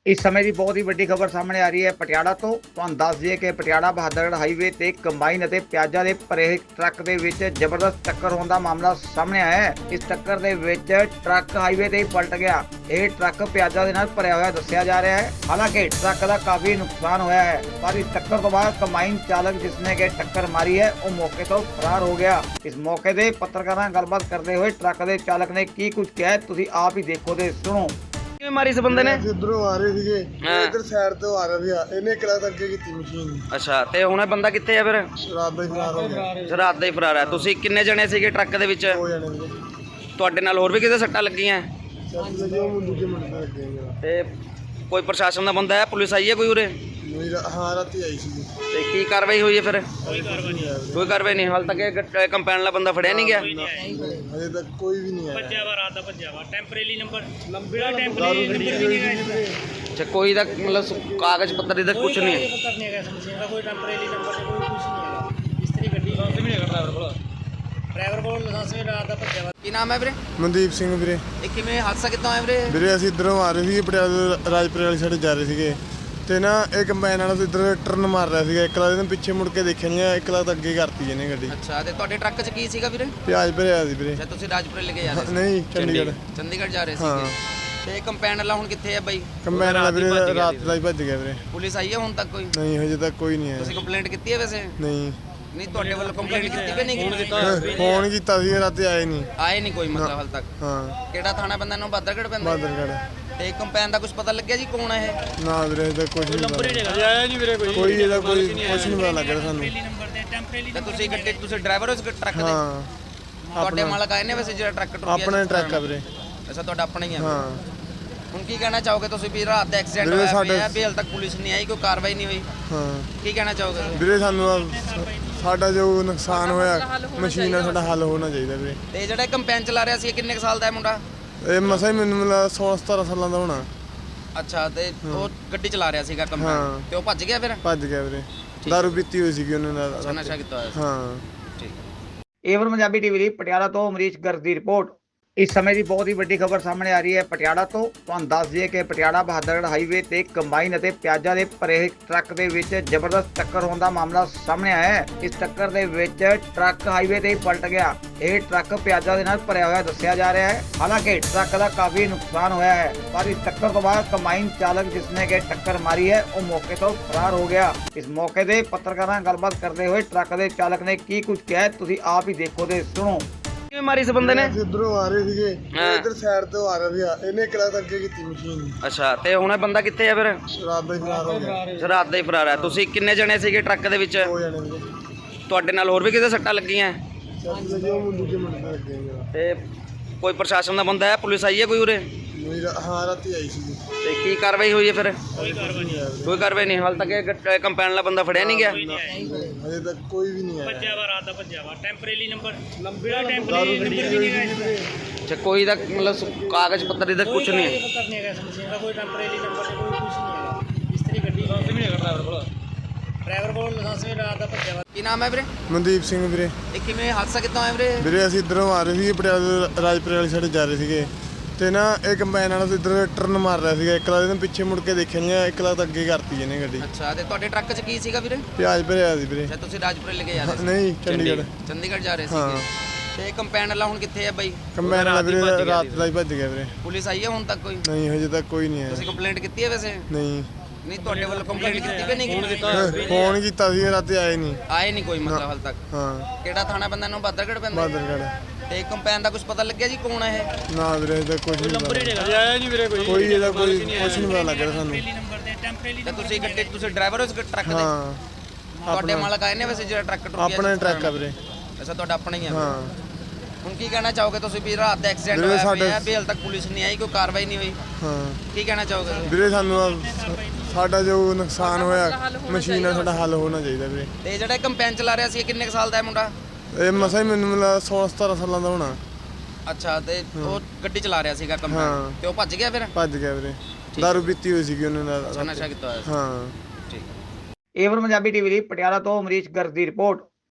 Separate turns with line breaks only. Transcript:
ਇਸ ਸਮੇਂ ਦੀ ਬਹੁਤ ਹੀ ਵੱਡੀ ਖਬਰ ਸਾਹਮਣੇ ਆ ਰਹੀ ਹੈ ਪਟਿਆਲਾ ਤੋਂ। ਤੁਹਾਨੂੰ ਦੱਸ ਦਈਏ ਕਿ ਪਟਿਆਲਾ ਬਹਾਦਰਗੜ੍ਹ ਹਾਈਵੇ ਤੇ ਕੰਬਾਈਨ ਅਤੇ ਪਿਆਜ਼ਾਂ ਦੇ ਭਰੇ ਟਰੱਕ ਦੇ ਵਿੱਚ ਜ਼ਬਰਦਸਤ ਟੱਕਰ ਹੋਣ ਦਾ ਮਾਮਲਾ ਸਾਹਮਣੇ ਆਇਆ ਹੈ। ਇਸ ਟੱਕਰ ਦੇ ਵਿੱਚ ਟਰੱਕ ਹਾਈਵੇ ਤੇ ਹੀ ਪਲਟ ਗਿਆ। ਇਹ ਟਰੱਕ ਪਿਆਜ਼ਾਂ ਦੇ ਨਾਲ ਭਰਿਆ ਹੋਇਆ ਦੱਸਿਆ ਜਾ ਰਿਹਾ ਹੈ। ਹਾਲਾਂਕਿ ਟਰੱਕ ਦਾ ਕਾਫੀ ਨੁਕਸਾਨ ਹੋਇਆ ਹੈ, ਪਰ ਇਸ ਟੱਕਰ ਤੋਂ ਬਾਅਦ ਕੰਬਾਈਨ ਚਾਲਕ ਜਿਸਨੇ ਕਿ ਟੱਕਰ ਮਾਰੀ ਹੈ ਉਹ ਮੌਕੇ ਤੋਂ ਫਰਾਰ ਹੋ ਗਿਆ। ਇਸ ਮੌਕੇ ਤੇ ਪੱਤਰਕਾਰਾਂ ਨਾਲ ਗੱਲਬਾਤ ਕਰਦੇ ਹੋਏ ਟਰੱਕ ਦੇ ਚਾਲਕ ਨੇ ਕੀ ਕੁਝ ਕਿਹਾ ਤੁਸੀਂ ਆਪ ਹੀ ਦੇਖੋ ਤੇ ਸੁਣੋ।
ਕਿਵੇਂ ਮਾਰੀ ਇਸ ਬੰਦੇ ਨੇ?
ਇਧਰੋਂ ਆ ਰਹੇ ਸੀਗੇ, ਇਧਰ ਸਾਈਡ ਤੋਂ ਆ ਰਿਹਾ ਸੀਗਾ, ਇਹਨੇ ਇੱਕ ਲੱਤ ਅੱਗੇ ਕੀਤੀ ਮਸ਼ੀਨ।
ਅੱਛਾ, ਤੇ ਹੁਣ ਇਹ ਬੰਦਾ ਕਿੱਥੇ ਆ ਫਿਰ?
ਰਾਤ ਦਾ ਹੀ ਫਰਾਰ ਹੋ ਗਿਆ।
ਰਾਤ ਦਾ ਹੀ ਫਰਾਰ ਹੈ। ਤੁਸੀਂ ਕਿੰਨੇ ਜਣੇ ਸੀਗੇ ਟਰੱਕ ਦੇ ਵਿੱਚ?
ਹੋ ਜਾਣੇ ਸੀਗੇ।
ਤੁਹਾਡੇ ਨਾਲ ਹੋਰ ਵੀ ਕਿਤੇ ਸੱਟਾਂ ਲੱਗੀਆਂ?
ਸੱਤ ਜੋ ਮੁੰਡੇ ਦੇ ਮੁੰਡੇ ਨਾਲ ਲੱਗੇ ਹੋਏ ਆ।
ਤੇ ਕੋਈ ਪ੍ਰਸ਼ਾਸਨ ਦਾ ਬੰਦਾ ਹੈ? ਪੁਲਿਸ ਆਈ ਹੈ ਕੋਈ ਉਰੇ?
ਹਾਂ, ਰਾਤੀ ਆਈ ਸੀ।
ਤੇ ਕੀ ਕਾਰਵਾਈ ਹੋਈ ਹੈ ਫਿਰ?
ਕੋਈ ਕਾਰਵਾਈ ਨਹੀਂ ਆਈ।
ਕੋਈ ਕਾਰਵਾਈ ਨਹੀਂ ਹਾਲ ਤੱਕ। ਇਹ ਕੰਪੈਨ ਵਾਲਾ ਬੰਦਾ ਫੜਿਆ ਨਹੀਂ ਗਿਆ?
ਹਜੇ ਤੱਕ ਕੋਈ ਵੀ ਨਹੀਂ ਆਇਆ।
ਭੱਜਿਆ ਵਾ ਰਾਤ ਦਾ, ਭੱਜਿਆ ਵਾ। ਟੈਂਪਰੇਰੀ ਨੰਬਰ ਲੰਬੀੜਾ ਟੈਂਪਰੇਰੀ ਨੰਬਰ ਵੀ ਨਹੀਂ ਹੈਗਾ।
ਅੱਛਾ, ਕੋਈ ਦਾ ਮਤਲਬ ਕਾਗਜ਼ ਪੱਤਰ ਇਹਦਾ ਕੁਝ ਨਹੀਂ ਹੈ?
ਪੱਤਰ ਨਹੀਂ ਹੈਗਾ ਇਸ ਮਸ਼ੀਨ ਦਾ, ਕੋਈ ਟੈਂਪਰੇਰੀ ਨੰਬਰ ਤੇ ਕੋਈ ਕੁਝ ਨਹੀਂ ਹੈਗਾ। ਇਸਤਰੀ ਗੱਡੀ ਲਾਇਸੈਂਸ ਵੀ ਨਹੀਂ ਹੈਗਾ ਡਰਾਈਵਰ ਕੋਲ ਲਾਇਸੈਂਸ ਵੀ ਰਾਤ ਦਾ ਭੱਜਿਆ ਵਾ।
ਕੀ ਨਾਮ ਹੈ ਵੀਰੇ?
ਮਨਦੀਪ ਸਿੰਘ ਵੀਰੇ।
ਇਹ ਕਿਵੇਂ ਹਾਦਸਾ ਕਿੱਦਾਂ ਹੋਇਆ ਵੀਰੇ?
ਵੀਰੇ ਅਸੀਂ ਇਧਰੋਂ ਆ ਰਹੇ ਸੀਗੇ, ਪਟਿਆਲਾ ਰਾਜਪੁਰੇ ਵਾਲੀ ਸਾਈਡ ਜਾ ਰਹੇ ਸੀਗੇ ਤੇ ਨਾ ਇਹ ਕੰਬਾਈਨ ਵਾਲਾ ਇਧਰ ਟਰਨ ਮਾਰ ਰਿਹਾ ਸੀਗਾ। ਇੱਕ ਲੱਤ ਇਹਨੇ ਪਿੱਛੇ ਮੁੜ ਕੇ ਦੇਖਿਆ ਨਹੀਂ, ਇੱਕ ਲੱਤ ਅੱਗੇ ਕਰਤੀ ਇਹਨੇ ਗੱਡੀ।
ਅੱਛਾ, ਤੇ ਤੁਹਾਡੇ ਟਰੱਕ 'ਚ ਕੀ ਸੀਗਾ ਵੀਰੇ?
ਪਿਆਜ਼ ਭਰਿਆ ਸੀ ਵੀਰੇ।
ਅੱਛਾ, ਤੁਸੀਂ ਰਾਜਪੁਰੇ ਲੈ ਕੇ ਜਾ ਰਹੇ ਸੀ?
ਨਹੀਂ, ਚੰਡੀਗੜ੍ਹ।
ਚੰਡੀਗੜ੍ਹ ਜਾ ਰਹੇ
ਹਾਂ।
ਸੀਗੇ। ਤੇ ਕੰਪੈਨ ਵਾਲਾ ਹੁਣ ਕਿੱਥੇ ਹੈ ਬਾਈ?
ਕੰਬਾਈਨ ਵਾਲਾ ਵੀਰੇ ਰਾਤ ਦਾ ਹੀ ਭੱਜ ਗਿਆ ਵੀਰੇ।
ਪੁਲਿਸ ਆਈ ਹੈ ਹੁਣ ਤੱਕ ਕੋਈ?
ਨਹੀਂ, ਹਜੇ ਤੱਕ ਕੋਈ ਨਹੀਂ
ਤੁਸੀਂ
ਆਇਆ।
ਕੰਪਲੇਂਟ ਕੀਤੀ ਹੈ ਵੈਸੇ?
ਨਹੀਂ,
ਨਹੀਂ, ਤੁਹਾਡੇ ਵੱਲੋਂ ਕੰਪਲੇਂਟ ਕੀਤੀ ਕਿ ਨਹੀਂ ਕੀਤੀ?
ਫੋਨ ਕੀਤਾ ਸੀ, ਰਾਤੀ ਆਏ ਨਹੀਂ।
ਆਏ ਨਹੀਂ ਕੋਈ ਮਤਲਬ ਹਾਲ ਤੱਕ?
ਹਾਂ,
ਕਿਹੜਾ ਥਾਣਾ ਪੈਂਦਾ ਇਹਨੂੰ? ਬਹਾਦਰਗੜ੍ਹ ਪੈਂਦਾ?
ਬਹਾਦਰਗੜ੍ਹ।
ਤੇ ਕੰਪੈਨ ਦਾ ਕੁਝ ਪਤਾ ਲੱਗਿਆ ਜੀ ਕੌਣ ਹੈ ਇਹ?
ਨਾ ਵੀਰੇ, ਇਹਦਾ ਕੁਝ ਨਹੀਂ ਪਤਾ।
ਆਇਆ ਨਹੀਂ ਵੀਰੇ ਕੋਈ।
ਕੋਈ ਇਹਦਾ ਕੁਝ ਨਹੀਂ ਪਤਾ ਲੱਗ ਰਿਹਾ ਸਾਨੂੰ।
ਨੰਬਰ ਤੇ ਟੈਂਪਰੇਰੀ
ਤੇ ਤੁਸੀਂ ਗੱਡੀ, ਤੁਸੀਂ ਡਰਾਈਵਰ ਹੋ ਇਸ ਟਰੱਕ ਦੇ?
ਹਾਂ,
ਤੁਹਾਡੇ ਮਾਲਕ ਆਏ ਨੇ ਵੈਸੇ ਜਿਹੜਾ ਟਰੱਕ ਟੁੱਟਿਆ?
ਆਪਣਾ ਟਰੱਕ ਆ ਵੀਰੇ।
ਅੱਛਾ, ਤੁਹਾਡਾ ਆਪਣਾ ਹੀ ਹੈ।
ਹਾਂ
ਹੁਣ ਕੀ ਕਹਿਣਾ ਚਾਹੋਗੇ ਤੁਸੀਂ ਵੀ ਰਾਤ ਦਾ ਐਕਸੀਡੈਂਟ
ਵੀਰੇ
ਹੋਇਆ ਪਿਆ ਵੀ ਹਾਲ ਤੱਕ ਪੁਲਿਸ ਨਹੀਂ ਆਈ, ਕੋਈ ਕਾਰਵਾਈ ਨਹੀਂ ਹੋਈ?
ਹਾਂ
ਕੀ ਕਹਿਣਾ ਚਾਹੋਗੇ ਤੁਸੀਂ?
ਵੀਰੇ, ਸਾਨੂੰ ਸਾਡਾ ਜੋ ਨੁਕਸਾਨ ਹੋਇਆ ਮਸ਼ੀਨ ਨਾਲ ਸਾਡਾ ਹੱਲ ਹੋਣਾ ਚਾਹੀਦਾ ਵੀਰੇ।
ਤੇ ਜਿਹੜਾ ਕੰਪੈਨ ਚਲਾ ਰਿਹਾ ਸੀ ਇਹ ਕਿੰਨੇ ਕੁ ਸਾਲ ਦਾ ਹੈ ਮੁੰਡਾ?
ਇਹ ਮਸਾ ਹੀ ਮੈਨੂੰ ਮਿਲਾ 16-17 ਸਾਲਾਂ ਦਾ ਹੋਣਾ।
ਅੱਛਾ, ਤੇ ਉਹ ਗੱਡੀ ਚਲਾ ਰਿਹਾ ਸੀਗਾ
ਹਾਂ।
ਕੰਪੈਨ ਤੇ ਉਹ ਭੱਜ ਗਿਆ ਫਿਰ?
ਭੱਜ ਗਿਆ ਵੀਰੇ। ਦਾਰੂ ਪੀਤੀ ਹੋਈ ਸੀਗੀ ਉਹਨੇ ਨਾਲ।
ਅੱਛਾ, ਨਸ਼ਾ ਕੀਤਾ ਹੋਇਆ ਸੀ।
ਹਾਂ।
ਠੀਕ।
ਏਵਨ ਪੰਜਾਬੀ ਟੀਵੀ ਲਈ ਪਟਿਆਲਾ ਤੋਂ ਅਮਰੀਸ਼ ਗਰਗ ਦੀ ਰਿਪੋਰਟ। ਇਸ ਸਮੇਂ ਦੀ ਬਹੁਤ ਹੀ ਵੱਡੀ ਖਬਰ ਸਾਹਮਣੇ ਆ ਰਹੀ ਹੈ ਪਟਿਆਲਾ ਤੋਂ। ਤੁਹਾਨੂੰ ਦੱਸ ਦਈਏ ਕਿ ਪਟਿਆਲਾ ਬਹਾਦਰਗੜ੍ਹ ਹਾਈਵੇ ਤੇ ਕੰਬਾਈਨ ਅਤੇ ਪਿਆਜ਼ਾਂ ਦੇ ਭਰੇ ਟਰੱਕ ਦੇ ਵਿੱਚ ਜ਼ਬਰਦਸਤ ਟੱਕਰ ਹੋਣ ਦਾ ਮਾਮਲਾ ਸਾਹਮਣੇ ਆਇਆ ਹੈ। ਇਸ ਟੱਕਰ ਦੇ ਵਿੱਚ ਟਰੱਕ ਹਾਈਵੇ ਤੇ ਹੀ ਪਲਟ ਗਿਆ। ਇਹ ਟਰੱਕ ਪਿਆਜ਼ਾਂ ਦੇ ਨਾਲ ਭਰਿਆ ਹੋਇਆ ਦੱਸਿਆ ਜਾ ਰਿਹਾ ਹੈ। ਹਾਲਾਂਕਿ ਟਰੱਕ ਦਾ ਕਾਫੀ ਨੁਕਸਾਨ ਹੋਇਆ ਹੈ, ਪਰ ਇਸ ਟੱਕਰ ਤੋਂ ਬਾਅਦ ਕੰਬਾਈਨ ਚਾਲਕ ਜਿਸਨੇ ਕਿ ਟੱਕਰ ਮਾਰੀ ਹੈ ਉਹ ਮੌਕੇ ਤੋਂ ਫਰਾਰ ਹੋ ਗਿਆ। ਇਸ ਮੌਕੇ ਤੇ ਪੱਤਰਕਾਰਾਂ ਨਾਲ ਗੱਲਬਾਤ ਕਰਦੇ ਹੋਏ ਟਰੱਕ ਦੇ ਚਾਲਕ ਨੇ ਕੀ ਕੁਝ ਕਿਹਾ ਤੁਸੀਂ ਆਪ ਹੀ ਦੇਖੋ ਤੇ ਸੁਣੋ।
ਕਿਵੇਂ ਮਾਰੀ ਇਸ ਬੰਦੇ ਨੇ?
ਅਸੀਂ ਇਧਰੋਂ ਆ ਰਹੇ ਸੀਗੇ, ਇਧਰ ਸਾਈਡ ਤੋਂ ਆ ਰਿਹਾ ਸੀਗਾ, ਇਹਨੇ ਇੱਕ ਲੱਤ ਅੱਗੇ ਕੀਤੀ ਮਸ਼ੀਨ।
ਅੱਛਾ, ਤੇ ਹੁਣ ਇਹ ਬੰਦਾ ਕਿੱਥੇ ਆ ਫਿਰ?
ਰਾਤ ਦਾ ਹੀ ਫਰਾਰ ਹੋ ਗਿਆ।
ਰਾਤ ਦਾ ਹੀ ਫਰਾਰ ਹੈ। ਤੁਸੀਂ ਕਿੰਨੇ ਜਣੇ ਸੀਗੇ ਟਰੱਕ ਦੇ ਵਿੱਚ?
ਹੋ ਜਾਣੇ ਸੀਗੇ।
ਤੁਹਾਡੇ ਨਾਲ ਹੋਰ ਵੀ ਕਿਤੇ ਸੱਟਾਂ ਲੱਗੀਆਂ?
ਸੱਤ ਜੋ ਮੁੰਡੇ ਦੇ ਮੁੰਡੇ ਨਾਲ ਲੱਗੇ ਹੋਏ ਆ।
ਤੇ ਕੋਈ ਪ੍ਰਸ਼ਾਸਨ ਦਾ ਬੰਦਾ ਹੈ? ਪੁਲਿਸ ਆਈ ਹੈ ਕੋਈ ਉਰੇ?
ਹਾਂ, ਰਾਤੀ ਆਈ ਸੀ।
ਤੇ ਕੀ ਕਾਰਵਾਈ ਹੋਈ ਹੈ ਫਿਰ?
ਕੋਈ ਕਾਰਵਾਈ ਨਹੀਂ ਆਈ।
ਕੋਈ ਕਾਰਵਾਈ ਨਹੀਂ ਹਾਲ ਤੱਕ। ਇਹ ਕੰਪੈਨ ਵਾਲਾ ਬੰਦਾ ਫੜਿਆ ਨਹੀਂ ਗਿਆ?
ਹਜੇ ਤੱਕ ਕੋਈ ਵੀ ਨਹੀਂ ਆਇਆ।
ਭੱਜਿਆ ਵਾ ਰਾਤ ਦਾ, ਭੱਜਿਆ ਵਾ। ਟੈਂਪਰੇਰੀ ਨੰਬਰ ਲੰਬੀੜਾ ਟੈਂਪਰੇਰੀ ਨੰਬਰ ਵੀ ਨਹੀਂ ਹੈਗਾ।
ਅੱਛਾ, ਕੋਈ ਦਾ ਮਤਲਬ ਕਾਗਜ਼ ਪੱਤਰ ਇਹਦਾ ਕੁਝ ਨਹੀਂ ਹੈ?
ਪੱਤਰ ਨਹੀਂ ਹੈਗਾ ਇਸ ਮਸ਼ੀਨ ਦਾ, ਕੋਈ ਟੈਂਪਰੇਰੀ ਨੰਬਰ ਤੇ ਕੋਈ ਕੁਝ ਨਹੀਂ ਹੈਗਾ। ਇਸਤਰੀ ਗੱਡੀ ਲਾਇਸੈਂਸ ਵੀ ਨਹੀਂ ਹੈਗਾ ਡਰਾਈਵਰ ਕੋਲ ਲਾਇਸੈਂਸ ਵੀ ਰਾਤ ਦਾ ਭੱਜਿਆ ਵਾ।
ਕੀ ਨਾਮ ਹੈ ਵੀਰੇ?
ਮਨਦੀਪ ਸਿੰਘ ਵੀਰੇ।
ਇਹ ਕਿਵੇਂ ਹਾਦਸਾ ਕਿੱਦਾਂ ਹੋਇਆ ਵੀਰੇ?
ਵੀਰੇ ਅਸੀਂ ਇਧਰੋਂ ਆ ਰਹੇ ਸੀਗੇ, ਪਟਿਆਲਾ ਰਾਜਪੁਰੇ ਵਾਲੀ ਸਾਈਡ ਜਾ ਰਹੇ ਸੀਗੇ ਤੇ ਨਾ ਇਹ ਕੰਬਾਈਨ ਵਾਲਾ ਇਧਰ ਟਰਨ ਮਾਰ ਰਿਹਾ ਸੀਗਾ। ਇੱਕ ਲੱਤ ਇਹਨੇ ਪਿੱਛੇ ਮੁੜ ਕੇ ਦੇਖਿਆ ਨਹੀਂ, ਇੱਕ ਲੱਤ ਅੱਗੇ ਕਰਤੀ ਇਹਨੇ ਗੱਡੀ।
ਅੱਛਾ, ਤੇ ਤੁਹਾਡੇ ਟਰੱਕ 'ਚ ਕੀ ਸੀਗਾ ਵੀਰੇ?
ਪਿਆਜ਼ ਭਰਿਆ ਸੀ ਵੀਰੇ।
ਅੱਛਾ, ਤੁਸੀਂ ਰਾਜਪੁਰੇ ਲੈ ਕੇ ਜਾ ਰਹੇ ਸੀ?
ਨਹੀਂ, ਚੰਡੀਗੜ੍ਹ।
ਚੰਡੀਗੜ੍ਹ ਜਾ ਰਹੇ
ਹਾਂ।
ਸੀਗੇ। ਤੇ ਕੰਪੈਨ ਵਾਲਾ ਹੁਣ ਕਿੱਥੇ ਹੈ ਬਾਈ?
ਕੰਬਾਈਨ ਵਾਲਾ ਵੀਰੇ ਰਾਤ ਦਾ ਹੀ ਭੱਜ ਗਿਆ ਵੀਰੇ।
ਪੁਲਿਸ ਆਈ ਹੈ ਹੁਣ ਤੱਕ ਕੋਈ?
ਨਹੀਂ, ਹਜੇ ਤੱਕ ਕੋਈ ਨਹੀਂ
ਤੁਸੀਂ
ਆਇਆ।
ਕੰਪਲੇਂਟ ਕੀਤੀ ਹੈ ਵੈਸੇ?
ਨਹੀਂ,
ਨਹੀਂ, ਤੁਹਾਡੇ ਵੱਲੋਂ ਕੰਪਲੇਂਟ ਕੀਤੀ ਕਿ ਨਹੀਂ ਕੀਤੀ?
ਫੋਨ ਕੀਤਾ ਸੀ, ਰਾਤੀ ਆਏ ਨਹੀਂ।
ਆਏ ਨਹੀਂ ਕੋਈ ਮਤਲਬ ਹਾਲ ਤੱਕ?
ਹਾਂ,
ਕਿਹੜਾ ਥਾਣਾ ਪੈਂਦਾ ਇਹਨੂੰ? ਬਹਾਦਰਗੜ੍ਹ ਪੈਂਦਾ?
ਬਹਾਦਰਗੜ੍ਹ।
ਤੇ ਕੰਪੈਨ ਦਾ ਕੁਝ ਪਤਾ ਲੱਗਿਆ ਜੀ ਕੌਣ ਹੈ ਇਹ?
ਨਾ ਵੀਰੇ, ਇਹਦਾ ਕੁਝ ਨਹੀਂ ਪਤਾ।
ਆਇਆ ਨਹੀਂ ਵੀਰੇ ਕੋਈ।
ਕੋਈ ਇਹਦਾ ਕੁਝ ਨਹੀਂ ਪਤਾ ਲੱਗ ਰਿਹਾ ਸਾਨੂੰ।
ਨੰਬਰ ਤੇ ਟੈਂਪਰੇਰੀ
ਤੇ ਤੁਸੀਂ ਗੱਡੀ, ਤੁਸੀਂ ਡਰਾਈਵਰ ਹੋ ਇਸ ਟਰੱਕ ਦੇ?
ਹਾਂ,
ਤੁਹਾਡੇ ਮਾਲਕ ਆਏ ਨੇ ਵੈਸੇ ਜਿਹੜਾ ਟਰੱਕ ਟੁੱਟਿਆ?
ਆਪਣਾ ਟਰੱਕ ਆ ਵੀਰੇ।
ਅੱਛਾ, ਤੁਹਾਡਾ ਆਪਣਾ ਹੀ ਹੈ।
ਹਾਂ
ਹੁਣ ਕੀ ਕਹਿਣਾ ਚਾਹੋਗੇ ਤੁਸੀਂ ਵੀ ਰਾਤ ਦਾ ਐਕਸੀਡੈਂਟ
ਵੀਰੇ
ਹੋਇਆ ਪਿਆ
ਸਾਡੇ-
ਵੀ ਹਾਲ ਤੱਕ ਪੁਲਿਸ ਨਹੀਂ ਆਈ, ਕੋਈ ਕਾਰਵਾਈ ਨਹੀਂ ਹੋਈ?
ਹਾਂ
ਕੀ ਕਹਿਣਾ ਚਾਹੋਗੇ ਤੁਸੀਂ?
ਵੀਰੇ, ਸਾਨੂੰ ਸਾਡਾ ਜੋ ਨੁਕਸਾਨ ਹੋਇਆ ਮਸ਼ੀਨ ਨਾਲ ਸਾਡਾ ਹੱਲ ਹੋਣਾ ਚਾਹੀਦਾ ਵੀਰੇ।
ਤੇ ਜਿਹੜਾ ਕੰਪੈਨ ਚਲਾ ਰਿਹਾ ਸੀ ਇਹ ਕਿੰਨੇ ਕੁ ਸਾਲ ਦਾ ਹੈ ਮੁੰਡਾ?
ਇਹ ਮਸਾ ਹੀ ਮੈਨੂੰ ਮਿਲਾ 16-17 ਸਾਲਾਂ ਦਾ ਹੋਣਾ।
ਅੱਛਾ, ਤੇ ਉਹ ਗੱਡੀ ਚਲਾ ਰਿਹਾ ਸੀਗਾ
ਹਾਂ।
ਕੰਪੈਨ ਤੇ ਉਹ ਭੱਜ ਗਿਆ ਫਿਰ?
ਭੱਜ ਗਿਆ ਵੀਰੇ। ਦਾਰੂ ਪੀਤੀ ਹੋਈ ਸੀਗੀ ਉਹਨੇ ਨਾਲ।
ਅੱਛਾ, ਨਸ਼ਾ ਕੀਤਾ ਹੋਇਆ ਸੀ।
ਹਾਂ।
ਠੀਕ।
ਏਵਨ ਪੰਜਾਬੀ ਟੀਵੀ ਲਈ ਪਟਿਆਲਾ ਤੋਂ ਅਮਰੀਸ਼ ਗਰਗ ਦੀ ਰਿਪੋਰਟ।